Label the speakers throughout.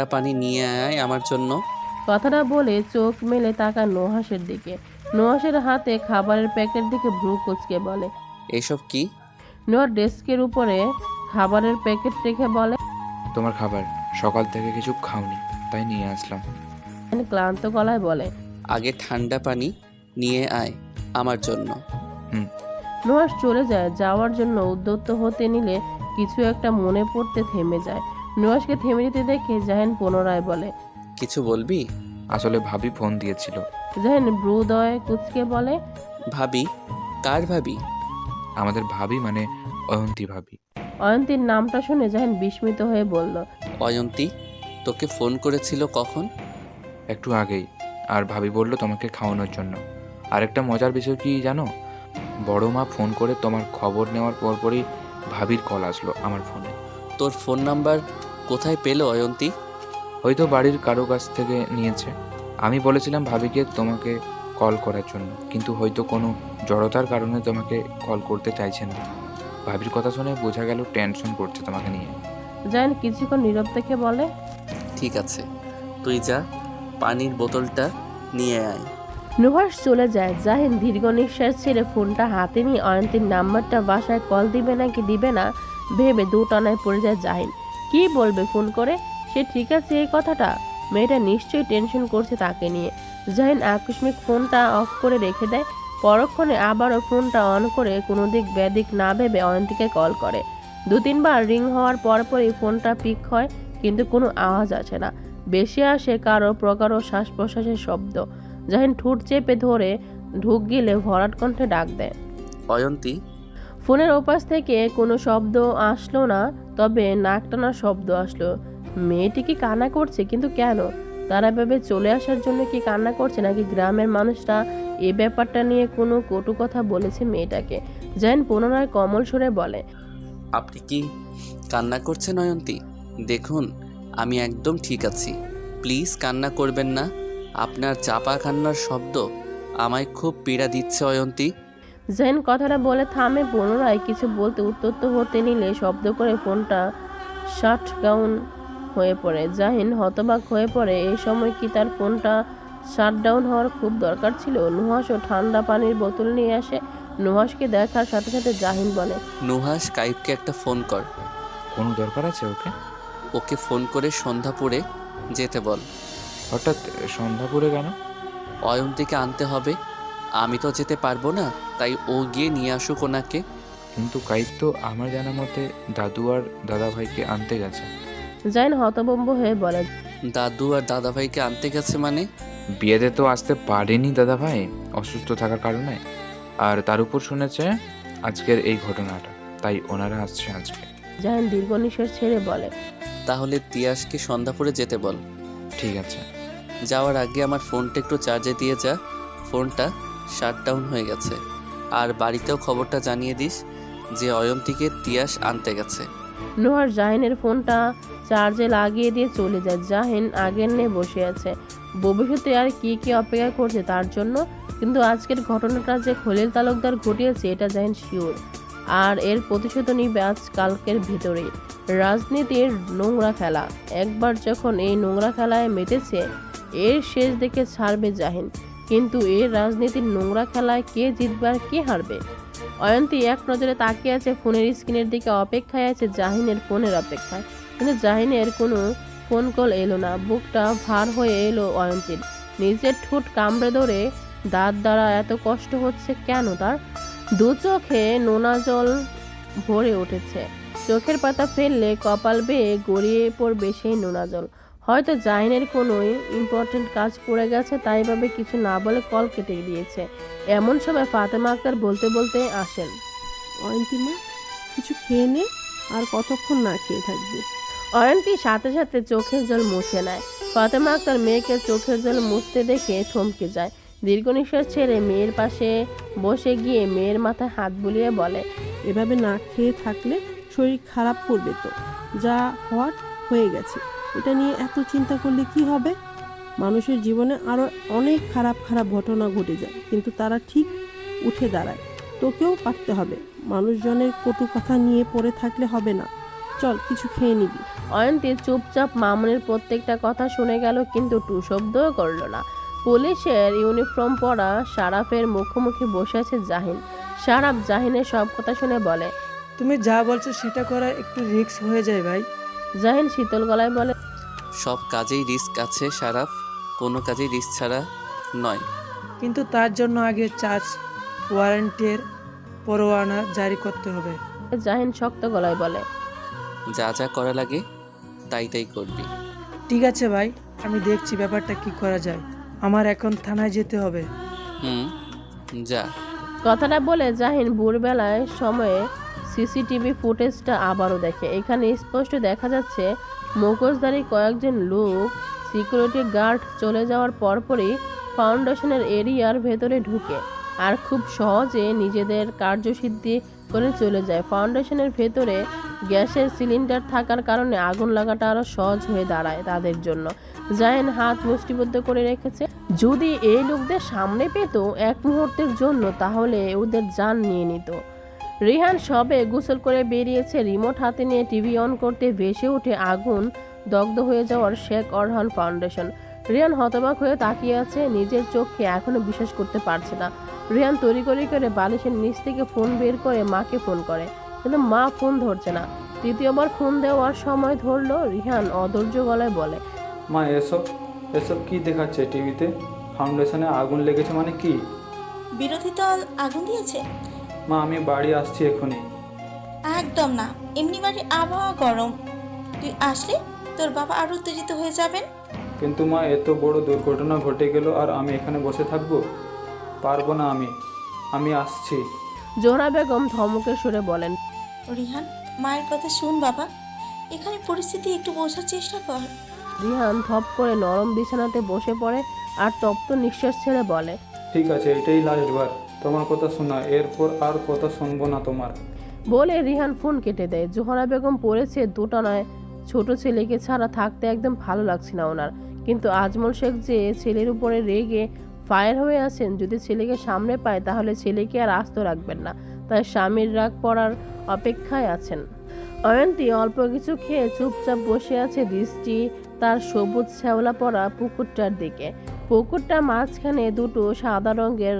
Speaker 1: পানি নিয়ে আয় আমার জন্য।
Speaker 2: কথাটা বলে চোখ মেলে তাকায় নুহাসের দিকে। নুহাসের হাতে খাবারের প্যাকেট দিকে ভ্রু কুঁচকে বলে।
Speaker 1: এসব কি?
Speaker 2: নুহার ডেস্কের উপরে খাবারের প্যাকেট রেখে বলে,
Speaker 3: তোমার খাবার। সকাল থেকে কিছু খাওনি, তাই নিয়ে আসলাম।
Speaker 2: ক্লান্ত গলায় বলে।
Speaker 1: আগে ঠান্ডা পানি নিয়ে আয় আমার জন্য।
Speaker 2: নুহাস চলে যায়। যাওয়ার জন্য উদ্যত হতে নিলে কিছু একটা মনে পড়তে থেমে যায়। নুহাসকে থেমে যেতে দেখে জাহিন পুনরায় বলে,
Speaker 1: কিছু বলবি?
Speaker 3: আসলে ভাবি ফোন দিয়েছিল।
Speaker 2: জাহিন ভ্রুদয় কুঁচকে বলে,
Speaker 1: ভাবি? কার ভাবি?
Speaker 3: আমাদের ভাবি মানে অয়ন্তী ভাবি।
Speaker 2: অয়ন্তীর নামটা শুনে জাহিন বিস্মিত হয়ে বলল,
Speaker 1: অয়ন্তী তোকে ফোন করেছিল কখন?
Speaker 3: একটু আগেই। আর ভাবি বলল তোমাকে খাওয়ানোর জন্য। আরেকটা মজার বিষয় কি জানো, বড় মা ফোন করে তোমার খবর নেওয়ার পরপরই ভাবির কল আসলো আমার ফোনে।
Speaker 1: তোর ফোন নাম্বার কোথায় পেলো অয়ন্তী?
Speaker 3: হয়তো বাড়ির কারো কাছ থেকে নিয়েছে। আমি বলেছিলাম ভাবিকে তোমাকে কল করার জন্য, কিন্তু হয়তো কোনো জড়তার কারণে তোমাকে কল করতে চাইছে না। ভাবির কথা শুনে বোঝা গেল টেনশন করছে তোমাকে নিয়ে।
Speaker 2: জাহিন কিছুক্ষণ নীরব থেকে বলে,
Speaker 1: ঠিক আছে, তুই যা, পানির বোতলটা নিয়ে আয়।
Speaker 2: নুহাস চলে যায়। জাহিন দীর্ঘ নিঃশ্বাস ছেড়ে ফোনটা হাতে নিয়ে অয়ন্তীর নাম্বারটা বাসায় কল দিবে নাকি দিবে না ভেবে দুটানায় পড়ে যায় জাহিন। কি বলবে ফোন করে? সে ঠিক আছে এই কথাটা? মেয়েটা নিশ্চয়ই টেনশন করছে তাকে নিয়ে। জাহিন আকস্মিক ফোনটা অফ করে রেখে দেয়। পরক্ষণে আবারও ফোনটা অন করে কোনো দিক ব্যাদিক না ভেবে অয়ন্তীকে কল করে। 2-3 বার রিং হওয়ার পরপরই ফোনটা পিক হয়, কিন্তু কোনো আওয়াজ আসে না। বেশি আসে কারো প্রকারও শ্বাস প্রশ্বাসের শব্দ। জাহিন ঠোঁট চেপে ধরে ঢুক গিলে ভরাট কণ্ঠে ডাক দেয়,
Speaker 1: অয়ন্তী।
Speaker 2: ফোনের ওপাশ থেকে কোনো শব্দ আসলো না, তবে নাক টানার শব্দ আসলো। মেয়েটি কি কান্না করছে? কিন্তু কেন? তারা ভেবে চলে আসার জন্য কি কান্না করছে, নাকি গ্রামের মানুষরা এই ব্যাপারটা নিয়ে কোনো কটু কথা বলেছে মেয়েটাকে? জাহিন পুনরায় কোমল সুরে বলে,
Speaker 1: আপনি কি কান্না করছেন অয়ন্তী? দেখুন আমি একদম ঠিক আছি, প্লিজ কান্না করবেন না। আপনার চাপা কান্নার শব্দ আমায় খুব পীড়া দিচ্ছে অয়ন্তী।
Speaker 2: জাহিন কথাটা বলে থামে। পুনরায় কিছু বলতে উত্তপ্ত হতে নিলে শব্দ করে ফোনটা শাট ডাউন হয়ে পড়ে। জাহিন হতবাক হয়ে পড়ে। এই সময় কি তার ফোনটা শাট ডাউন হওয়ার খুব দরকার ছিল? নুহাসও ঠান্ডা পানির বোতল নিয়ে আসে। নুহাসকে দেখার সাথে সাথে জাহিন বলে,
Speaker 1: নুহাস, কাইবকে একটা ফোন কর।
Speaker 3: কোনো দরকার আছে ওকে?
Speaker 1: ওকে ফোন করে সন্ধ্যাপুরে যেতে বল।
Speaker 3: হঠাৎ সন্ধ্যাপুরে কেন?
Speaker 1: অয়ন্তীকে আনতে হবে, আমি তো যেতে পারবো না, তাই ও গিয়ে নিয়ে আসুক ওনাকে।
Speaker 3: কিন্তু কাইত তো আমার জানা মতে দাদু আর দাদা ভাইকে আনতে গেছে।
Speaker 2: জাহিন হতভম্ব হয়ে বলে,
Speaker 1: দাদু আর দাদাভাইকে আনতে গেছে মানে?
Speaker 3: বিয়েতে তো আসতে পারেনি দাদা ভাই, অসুস্থ থাকার কারণে। আর তার উপর শুনেছে আজকের এই ঘটনাটা, তাই ওনারা আসছে আজকে।
Speaker 2: জাহিন দীর্ঘ নিঃশ্বাস ছেড়ে বলে,
Speaker 1: তাহলে তিয়াসকে সন্ধ্যাপুরে যেতে বল।
Speaker 3: ঠিক আছে।
Speaker 1: যাওয়ার আগে আমার ফোনটা একটু চার্জে দিয়ে যা, ফোনটা শাট ডাউন হয়ে গেছে। আর বাড়িতেও খবরটা জানিয়ে দিস যে অয়ন্তীকে তিয়াস আনতে গেছে।
Speaker 2: নুহার জাহিনের ফোনটা চার্জে লাগিয়ে দিয়ে চলে যায়। জাহিন আগের নিয়ে বসে আছে, ভবিষ্যতে আর কি কি অপেক্ষা করছে তার জন্য। কিন্তু আজকের ঘটনাটা যে খলিল তালুকদার ঘটিয়েছে এটা জাহিন শিওর। আর এর প্রতিশোধ নিবে আজ কালকের ভিতরেই। রাজনীতির নোংরা খেলা একবার যখন এই নোংরা খেলায় মেতেছে, এর শেষ দেখে ছাড়বে জাহিন। কিন্তু এই রাজনীতির নোংরা খেলায় কে জিতবে আর কে হারবে? অয়ন্তী এক নজরে তাকিয়ে আছে ফোনের স্ক্রিনের দিকে, অপেক্ষায় আছে জাহিনের ফোনের অপেক্ষায়। কিন্তু জাহিনের কোনো ফোন কল এলো না। বুকটা ভার হয়ে এলো অয়ন্তীর। নিজের ঠোঁট কামড়ে ধরে দাঁত দ্বারা এত কষ্ট হচ্ছে কেন তার? দু চোখে নোনা জল ভরে উঠেছে। চোখের পাতা ফেললে কপাল বেয়ে গড়িয়ে পড়বে সেই নোনা জল। হয়তো জাহিনের কোনো ইম্পর্টেন্ট কাজ পড়ে গেছে, তাই ভাবে কিছু না বলে কল কেটে দিয়েছে। এমন সময় ফাতেমা আক্তার বলতে বলতে আসেন,
Speaker 4: অয়ন্তী মা, কিছু খেয়ে নে, আর কতক্ষণ না খেয়ে থাকবি?
Speaker 2: অয়ন্তী সাথে সাথে চোখের জল মুছে নেয়। ফাতেমা আক্তার মেয়েকে চোখের জল মুছতে দেখে থমকে যায়। দীর্ঘ নিঃশ্বাস ছেড়ে মেয়ের পাশে বসে গিয়ে মেয়ের মাথায় হাত বুলিয়ে বলে,
Speaker 4: এভাবে না খেয়ে থাকলে শরীর খারাপ করবে তো। যা হওয়ার হয়ে গেছে, এটা নিয়ে এত চিন্তা করলে কি হবে? মানুষের জীবনে আরও অনেক খারাপ খারাপ ঘটনা ঘটে যায়, কিন্তু তারা ঠিক উঠে দাঁড়ায়। তোকেও পারতে হবে। মানুষজনের কটু কথা নিয়ে পড়ে থাকলে হবে না। চল কিছু খেয়ে নিবি।
Speaker 2: অয়ন্তী চুপচাপ মামুনের প্রত্যেকটা কথা শুনে গেল, কিন্তু টু শব্দও করল না। পুলিশের ইউনিফর্ম পরা শারাফের মুখোমুখি বসে আছে জাহিন। শারাফ জাহিনের সব কথা শুনে বলে।
Speaker 5: তুমি যা বলছো সেটা করা একটু রিস্ক হয়ে যায় ভাই।
Speaker 2: জাহিন শীতল গলায় বলে,
Speaker 1: সব কাজেই রিস্ক আছে শারাফ, কোনো কাজেই রিস্ক ছাড়া নয়।
Speaker 5: কিন্তু তার জন্য আগে চার্জ ওয়ারেন্টের পরোয়ানা জারি করতে হবে।
Speaker 2: জাহিন শক্ত গলায় বলে,
Speaker 1: যা যা করা লাগে তাই তাই করবি।
Speaker 5: ঠিক আছে ভাই, আমি দেখছি ব্যাপারটা কি করা যায়। আমার এখন থানায় যেতে হবে।
Speaker 1: হুম, যা।
Speaker 2: কথাটা বলে জাহিন ভোরবেলায় সময়ে সিসিটিভি ফুটেজটা আবারও দেখে। এখানে স্পষ্ট দেখা যাচ্ছে মুখোশধারী কয়েকজন লোক সিকিউরিটি গার্ড চলে যাওয়ার পরপরই ফাউন্ডেশনের এরিয়ার ভেতরে ঢুকে আর খুব সহজে নিজেদের কার্যসিদ্ধি করে চলে যায়। ফাউন্ডেশনের ভেতরে গ্যাসের সিলিন্ডার থাকার কারণে আগুন লাগাটা আরও সহজ হয়ে দাঁড়ায় তাদের জন্য। জাহিন হাত মুষ্টিবদ্ধ করে রেখেছে। যদি এই লোকদের সামনে পেত এক মুহূর্তের জন্য, তাহলে ওদের জান নিয়ে নিত। রিহান সবে গোসল করে বেরিয়েছে। রিমোট হাতে নিয়ে টিভি অন করতে ভেসে উঠে আগুন দগ্ধ হয়ে যাওয়ার শেখ অরহান ফাউন্ডেশন। রিহান হতবাক হয়ে তাকিয়ে আছে, নিজের চোখকে এখনো বিশ্বাস করতে পারছে না। রিহান তড়িঘড়ি করে বালিশের নিচ থেকে ফোন বের করে মাকে ফোন করে, কিন্তু মা ফোন ধরছে না। তৃতীয়বার ফোন দেওয়ার সময় ধরলো। রিহান অধৈর্য গলায় বলে,
Speaker 6: মা এসব এসব কি দেখাচ্ছে টিভিতে? ফাউন্ডেশনে আগুন লেগেছে মানে কি?
Speaker 7: বিরোধী দল আগুন দিয়েছে?
Speaker 6: মা আমি বাড়ি আসছি এখনই।
Speaker 7: একদম না, এমনি বাড়ির আবহাওয়া গরম, তুই আসলে তোর বাবা আরো উত্তেজিত হয়ে যাবেন।
Speaker 6: কিন্তু মা এত বড় দুর্ঘটনা ঘটে গেল আর আমি এখানে বসে থাকবো? পারবো না আমি আসছি।
Speaker 2: জোহরা বেগম ধমকের সুরে বলেন,
Speaker 7: রিহান, মায়ের কথা শুন বাবা, এখানে পরিস্থিতি একটু বোঝার চেষ্টা কর।
Speaker 2: রিহান ধপ করে নরম বিছানাতে বসে পড়ে আর তপ্ত নিঃশ্বাস ছেড়ে বলে,
Speaker 6: ঠিক আছে, এটাই লাস্টবার তোমার কথা শোনা, এরপর আর কথা শুনবো না তোমার।
Speaker 2: বলে রিহান ফোন কেটে দেয়। জোহরা বেগম পড়েছে দোটানায়। ছোট ছেলেকে ছাড়া থাকতে একদম ভালো লাগছে না ওনার। কিন্তু আজমল শেখ যে ছেলের উপরে রেগে ফায়ার হয়ে আছেন, যদি ছেলেকে সামনে পায় তাহলে ছেলেকে আর আস্ত রাখবেন না, তাই স্বামীর রাগ পড়ার অপেক্ষায় আছেন। অয়ন্তী অল্প কিছু খেয়ে চুপচাপ বসে আছে, দৃষ্টি তার সবুজ শ্যাওলা পড়া পুকুরটার দিকে। পুকুরটা মাঝখানে দুটো সাদা রঙের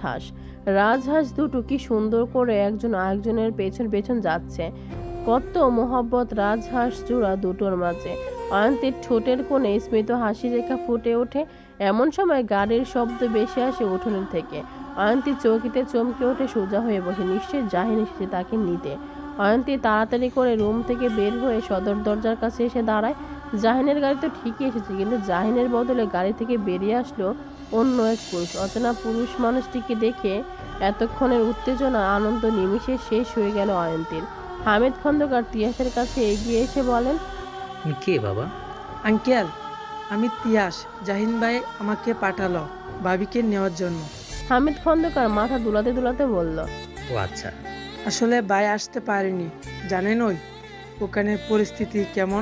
Speaker 2: রাজহাঁস দুটো কি সুন্দর করে একজন আরেকজনের পেছন পেছন যাচ্ছে। কত মোহব্বত রাজহাঁস জোড়া দুটোর মাঝে। অয়ন্তীর ঠোঁটের কোণে স্মিত হাসি রেখা ফুটে ওঠে। এমন সময় গাড়ির শব্দ বেশি আসে উঠোনের থেকে। অয়ন্তী চৌকিতে চমকে ওঠে, সোজা হয়ে বসে। নিশ্চয়ই জাহিন এসেছে তাকে নিতে। অয়ন্তী তাড়াতাড়ি করে রুম থেকে বের হয়ে সদর দরজার কাছে এসে দাঁড়ায়। জাহিনের গাড়ি তো ঠিকই এসেছে, কিন্তু জাহিনের বদলে গাড়ি থেকে বেরিয়ে আসলো অন্য এক পুরুষ। অচেনা পুরুষ মানুষটিকে দেখে এতক্ষণের উত্তেজনা আনন্দ নিমিষে শেষ হয়ে গেল অয়ন্তীর। হামিদ খন্দকার তিয়াসের কাছে এগিয়ে এসে বলেন,
Speaker 8: তুমি কে বাবা?
Speaker 5: আঙ্কেল, আমি তিয়াস। জাহিন ভাই আমাকে পাঠালো ভাবিকে নেওয়ার জন্য।
Speaker 2: হামিদ খন্দকার মাথা দুলাতে দুলাতে বলল,
Speaker 8: ও আচ্ছা।
Speaker 5: আসলে ভাই আসতে পারেনি, জানেন ওই ওখানের পরিস্থিতি কেমন।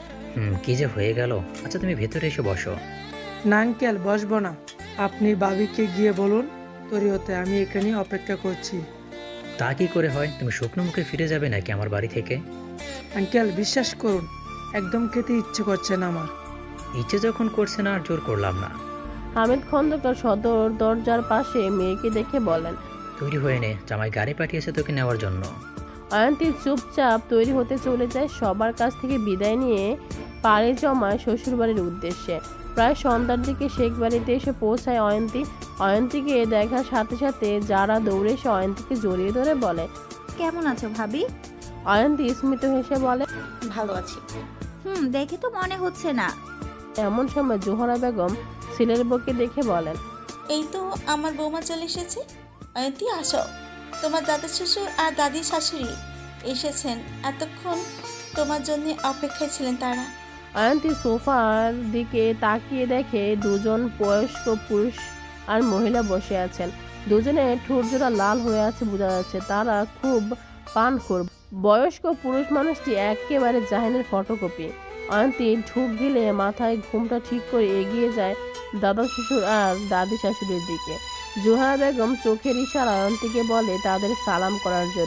Speaker 8: কি যে হয়ে গেল। আচ্ছা তুমি ভেতরে এসে বসো।
Speaker 5: না আঙ্কেল, বসবো না। আপনি ভাবিকে গিয়ে বলুন তৈরি হতে, আমি এখানে অপেক্ষা করছি।
Speaker 8: তা কি করে হয়? তুমি শুকনো মুখে ফিরে যাবে নাকি আমার বাড়ি থেকে?
Speaker 5: আঙ্কেল বিশ্বাস করুন, একদম খেতে ইচ্ছে করছে না আমার।
Speaker 8: ইচ্ছে যখন করছে না আর জোর করলাম না।
Speaker 2: হামিদ খন্দকার সদর দরজার পাশে মেয়েকে দেখে বলেন,
Speaker 8: তৈরি হয়ে নে, জামাই গাড়ি পাঠিয়েছে তোকে নেওয়ার জন্য।
Speaker 2: অয়ন্তী চুপচাপ তৈরি হতে চলে যায়। সবার কাছ থেকে বিদায় নিয়ে পাড়ে জমায় শ্বশুরবাড়ির উদ্দেশ্যে। প্রায় সন্ধ্যার দিকে শেখ বাড়িতে এসে পৌঁছায় অয়ন্তী। অয়ন্তীকে দেখার সাথে সাথে যারা দৌড়ে এসে অয়ন্তীকে জড়িয়ে ধরে বলে,
Speaker 9: কেমন আছো ভাবি?
Speaker 2: অয়ন্তী স্মিত হেসে বলে,
Speaker 7: ভালো আছি।
Speaker 9: দেখে তো মনে হচ্ছে না।
Speaker 2: এমন সময় জোহরা বেগম ছেলের বউকে দেখে বলেন,
Speaker 7: এই তো আমার বৌমা চলে এসেছে। অয়ন্তী আসো, তোমার দাদা শ্বশুর আর দাদি শাশুড়ি এসেছেন, এতক্ষণ তোমার জন্য অপেক্ষায় ছিলেন তারা।
Speaker 2: অয়ন্তী সোফার দিকে তাকিয়ে দেখে দুজন বয়স্ক পুরুষ আর মহিলা বসে আছেন। দুজনে ঠোঁট জোড়া লাল হয়ে আছে, বোঝা যাচ্ছে তারা খুব পানখোর। বয়স্ক পুরুষ মানুষটি একেবারে জাহিনের ফটোকপি। অয়ন্তী ঢুক গিলে মাথায় ঘুমটা ঠিক করে এগিয়ে যায় দাদা শ্বশুর আর দাদি শাশুড়ির দিকে। জোহরা বেগম চোখের ইশারা অয়ন্তীকে বলে তাদের সালাম করার জন্য।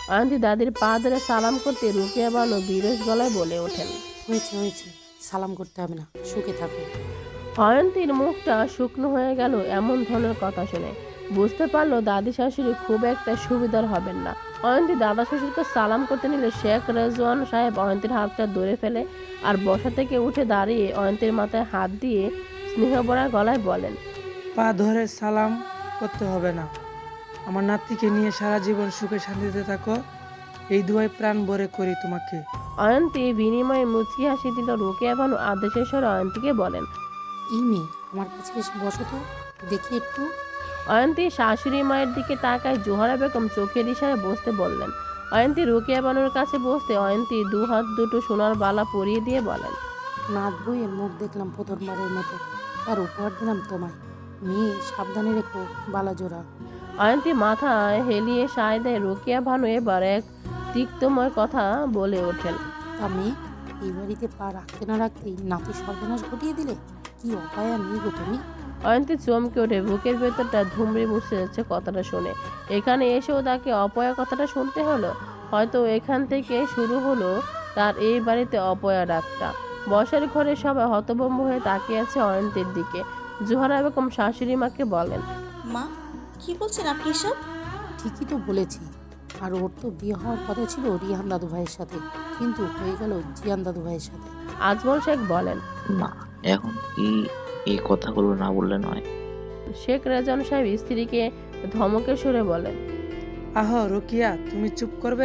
Speaker 2: অয়ন্তী দাদির পা ধরে সালাম করতে রুকিয়া বানু বিরস গলায় বলে ওঠেন।
Speaker 10: হয়েছে হয়েছে, সালাম করতে হবে না, সুখে থাকো।
Speaker 2: অয়ন্তীর মুখটা শুকনো হয়ে গেল এমন ধরনের কথা শুনে। বুঝতে পারলো দাদি শাশুড়ি খুব একটা সুবিধার হবেন না। অয়ন্তী দাদা শ্বশুরকে সালাম করতে নিলে শেখ রেজওয়ান সাহেব অয়ন্তীর হাতটা ধরে ফেলে আর বসা থেকে উঠে দাঁড়িয়ে অয়ন্তীর মাথায় হাত দিয়ে স্নেহভরা গলায় বলেন,
Speaker 5: পা ধরে সালাম করতে হবে না। আমার নাতিকে নিয়ে সারা জীবন সুখে শান্তিতে থাকো, এই দুয়াই প্রাণ ভরে করি তোমাকে।
Speaker 2: অয়ন্তী বিনিময়ে মুচকি হাসি দিল। রুকিয়া বানু আদেশের স্বরে অয়ন্তীকে বলেন।
Speaker 10: এই মেয়ে, আমার কাছে এসে বসো তো, দেখি একটু।
Speaker 2: অয়ন্তী শাশুড়ি মায়ের দিকে তাকায়। জোহরা বেগম চোখের ইশারায় বসতে বললেন। অয়ন্তী রুকিয়া বানুর কাছে বসতে অয়ন্তী দু হাত দুটো সোনার বালা পরিয়ে দিয়ে বলেন,
Speaker 10: নাত বইয়ের মুখ দেখলাম প্রথমবারের মতো, তার উপহার দিলাম তোমায়। মেয়ে, সাবধানে রেখো বালা জোড়া।
Speaker 2: অয়ন্তী মাথায় হেলিয়ে সায় দেয়। রুকিয়া বানু এবার এক তিক্তময় কথা বলে ওঠেন।
Speaker 10: তা মেয়ে, এই বাড়িতে পা রাখতে না রাখতেই নাতি সর্বনাশ ঘটিয়ে দিলে, কি অপায়া মেয়ে গো তুমি।
Speaker 2: অয়ন্তী চমকে ওঠে। বুকের ভেতরটা ধুমড়ে মুছে যাচ্ছে কথাটা শুনে। এখানে এসেও তাকে অপয়া কথাটা শুনতে হলো। হয়তো এখান থেকে শুরু হলো তার এই বাড়িতে অপয়া ডাকটা। বসার ঘরে সবাই হতভম্ব হয়ে তাকিয়ে আছে অয়ন্তীর দিকে। জোহরা বেগম শাশুড়ি মাকে বলেন,
Speaker 7: মা, কি বলছেন আপনি সব?
Speaker 10: ঠিকই তো বলেছি, আর ওর তো বিয়ে হওয়ার কথা ছিল রিহান দাদু ভাইয়ের সাথে, কিন্তু হয়ে গেল জিয়ান দাদু ভাইয়ের সাথে।
Speaker 2: আজমল শেখ বলেন।
Speaker 11: মা, এখন কি এই কথাগুলো না বললে নয়?
Speaker 2: শেখ রেজওয়ান সাহেব স্ত্রীকে ধমকে সুরে বলেন।
Speaker 5: আহ রুকিয়া, তুমি চুপ করবে?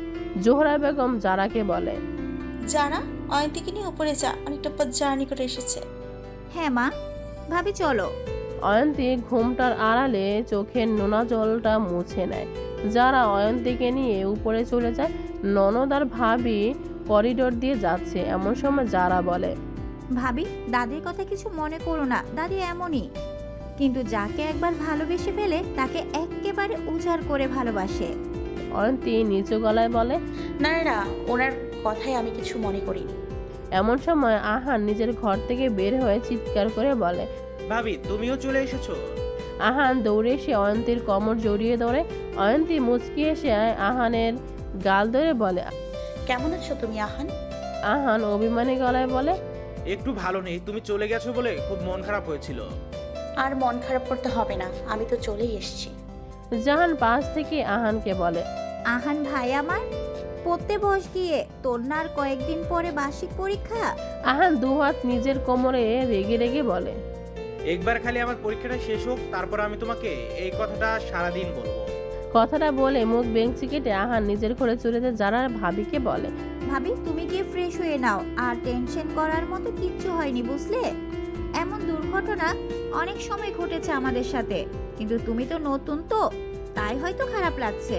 Speaker 2: জোহরা বেগম জারাকে বলে,
Speaker 7: যারা অয়ন্তীকে নিয়ে উপরে যা, অনেকটা পথ জার্নি করে এসেছে।
Speaker 9: হ্যাঁ মা, ভাবি চলো।
Speaker 2: অয়ন্তী ঘুমটার আড়ালে চোখের নোনা জলটা মুছে নেয়। যারা অয়ন্তীকে নিয়ে উপরে চলে যায়। ননদ আর ভাবি করিডোর দিয়ে যাচ্ছে। এমন সময় যারা বলে,
Speaker 9: ভাবি, দাদির কথা কিছু মনে করো না, দাদি এমনই। কিন্তু যাকে একবার ভালোবেসে ফেলে তাকে একেবারে উজাড় করে ভালোবাসে।
Speaker 2: অয়ন্তী নিচু গলায় বলে,
Speaker 12: না না, ওনার কথায় আমি কিছু মনে করিনি।
Speaker 2: এমন সময় আহান নিজের ঘর থেকে বের হয়ে চিৎকার করে বলে,
Speaker 13: ভাবি তুমিও চলে এসেছো?
Speaker 2: আহান দৌড়ে এসে অয়ন্তীর কোমর জড়িয়ে ধরে। অয়ন্তী মুচকি এসে আহানের গাল ধরে বলে,
Speaker 12: কেমন আছো তুমি আহান?
Speaker 2: আহান অভিমানী গলায় বলে,
Speaker 13: একটু ভালো নেই, তুমি চলে গেছো বলে খুব মন খারাপ হয়েছিল।
Speaker 12: আর মন খারাপ করতে হবে না, আমি তো চলেই এসেছি।
Speaker 2: জাহান পাশ থেকে আহানকে বলে,
Speaker 9: আহান ভাই আমার, পড়তে বস গিয়ে, তোর না আর কয়েকদিন পরে বার্ষিক পরীক্ষা।
Speaker 2: আহান দুহাত নিজের কোমরে রেগে রেগে বলে,
Speaker 13: একবার খালি আমার পরীক্ষাটা শেষ হোক, তারপর আমি তোমাকে এই কথাটা সারাদিন বলবো।
Speaker 2: কথাটা বলে মুখ বেঞ্চি কেটে আহান নিজের ঘরে চলে যায়। যারা ভাবিকে বলে,
Speaker 9: ভাবি তুমি গিয়ে ফ্রেশ হয়ে নাও, আর টেনশন করার মতো কিচ্ছু হয়নি বুঝলে। এমন দুর্ঘটনা অনেক সময় ঘটেছে আমাদের সাথে, কিন্তু তুমি তো নতুন, তো তাই হয়তো খারাপ লাগছে।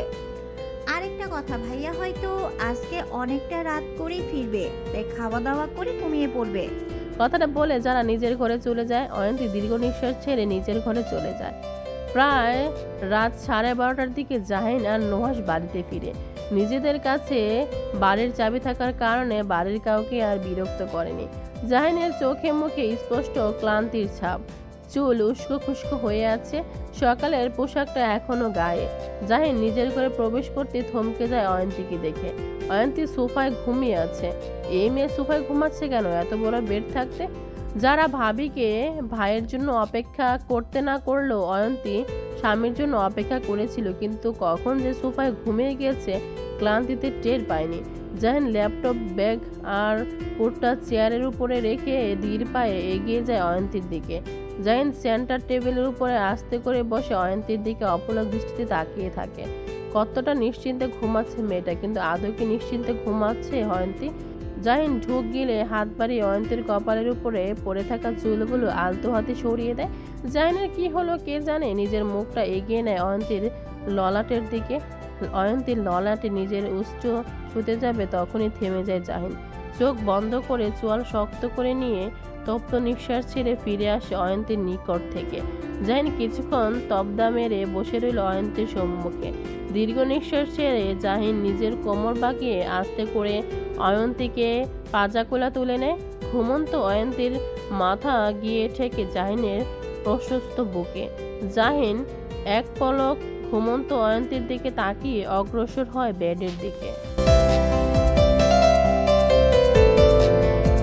Speaker 9: আরেকটা কথা, ভাইয়া হয়তো আজকে অনেকটা রাত করেই ফিরবে, তাই খাওয়া দাওয়া করে ঘুমিয়ে পড়বে।
Speaker 2: কথাটা বলে যারা নিজের ঘরে চলে যায়। অয়ন্তী দীর্ঘ নিঃশ্বাস ছেড়ে নিজের ঘরে চলে যায়। প্রায় রাত 12:30টার দিকে জাহিন আর নুহাস বাড়িতে ফিরে। নিজেদের কাছে বাড়ির চাবি থাকার কারণে বাড়ির কাউকে আর বিরক্ত করেনি। জাহিনের চোখে মুখে স্পষ্ট ক্লান্তির ছাপ। চুল উস্কো খুস্কো হয়ে আছে। সকালের পোশাকটা এখনো গায়ে। জাহিন নিজের ঘরে প্রবেশ করতে থমকে যায় অয়ন্তীকে দেখে। অয়ন্তী সোফায় ঘুমিয়ে আছে। এই মেয়ে সোফায় ঘুমাচ্ছে কেন এত বড় বেড থাকতে? যারা ভাবিকে ভাইয়ের জন্য অপেক্ষা করতে না করলেও অয়ন্তী স্বামীর জন্য অপেক্ষা করেছিল, কিন্তু কখন যে সোফায় ঘুমিয়ে গিয়েছে ক্লান্তিতে টের পায়নি। জাহিন ল্যাপটপ, ব্যাগ আর কোটটা চেয়ারের উপরে রেখে ধীর পায়ে এগিয়ে যায় অয়ন্তীর দিকে। জাহিন সেন্টার টেবিলের উপরে আস্তে করে বসে অয়ন্তীর দিকে অপলক দৃষ্টিতে তাকিয়ে থাকে। কতটা নিশ্চিন্তে ঘুমাচ্ছে মেয়েটা, কিন্তু আদৌ কি নিশ্চিন্তে ঘুমাচ্ছে অয়ন্তী? জাহিন ঢুক গিলে হাত বাড়িয়ে অয়ন্তীর কপালের উপরে পড়ে থাকা চুলগুলো আলতো হাতে সরিয়ে দেয়। জাহিনের কি হলো কে জানে। নিজের মুখটা এগিয়ে নেয় অয়ন্তীর ললাটের দিকে। অয়ন্তীর ললাটে নিজের উচ্চ ছুতে যাবে, তখনই থেমে যায় জাহিন। চোখ বন্ধ করে চোয়াল শক্ত করে নিয়ে তপ্ত নিঃশ্বাস ছেড়ে ফিরে আসে অয়ন্তীর নিকট থেকে। জাহিন কিছুক্ষণ তবদা মেরে বসে রইল অয়ন্তীর সম্মুখে। দীর্ঘ নিঃশ্বাস ছেড়ে জাহিন নিজের কোমর বাঁকিয়ে আস্তে করে অয়ন্তীকে পাজাকোলা তুলে নেয়। ঘুমন্ত অয়ন্তীর মাথা গিয়ে ঠেকে জাহিনের প্রশস্ত বুকে। জাহিন এক পলক ঘুমন্ত অয়ন্তীর দিকে তাকিয়ে অগ্রসর হয় বেডের দিকে।